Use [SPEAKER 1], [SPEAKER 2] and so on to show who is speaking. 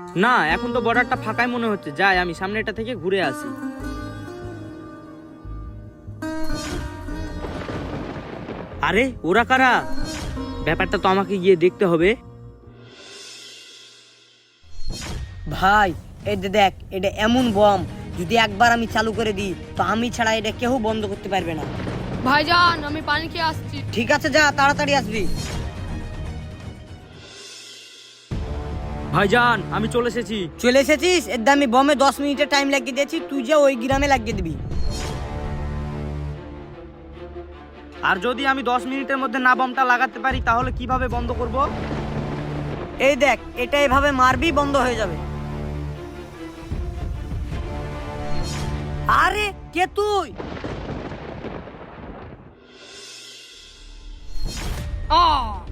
[SPEAKER 1] না, এখন তো বর্ডারটা ফাঁকাই মনে হচ্ছে, যাই আমি সামনেটা থেকে ঘুরে আসি। আরে ওরা কারা? ব্যাপারটা তো আমাকে গিয়ে দেখতে হবে।
[SPEAKER 2] ভাই এটা দেখ, এটা এমন বম, যদি একবার আমি চালু করে দিই তো আমি ছাড়া এটা কেউ বন্ধ করতে পারবে না।
[SPEAKER 3] ভাইজান আমি পানি খেয়ে আসছি।
[SPEAKER 2] ঠিক আছে, যা তাড়াতাড়ি আসবি।
[SPEAKER 1] ভাইজান আমি চলে এসেছি।
[SPEAKER 2] চলে এসেছিস? এর দামি বমে 10 মিনিটের টাইম লাগিয়ে দিয়েছি, তুই যে ওই গ্রামে লাগিয়ে দিবি।
[SPEAKER 1] আর যদি আমি 10 মিনিটের মধ্যে না বমটা লাগাতে পারি তাহলে কিভাবে বন্ধ করব?
[SPEAKER 2] এই দেখ, এটা এভাবে মারবি, বন্ধ হয়ে যাবে। আরে কে তুই?
[SPEAKER 3] আহ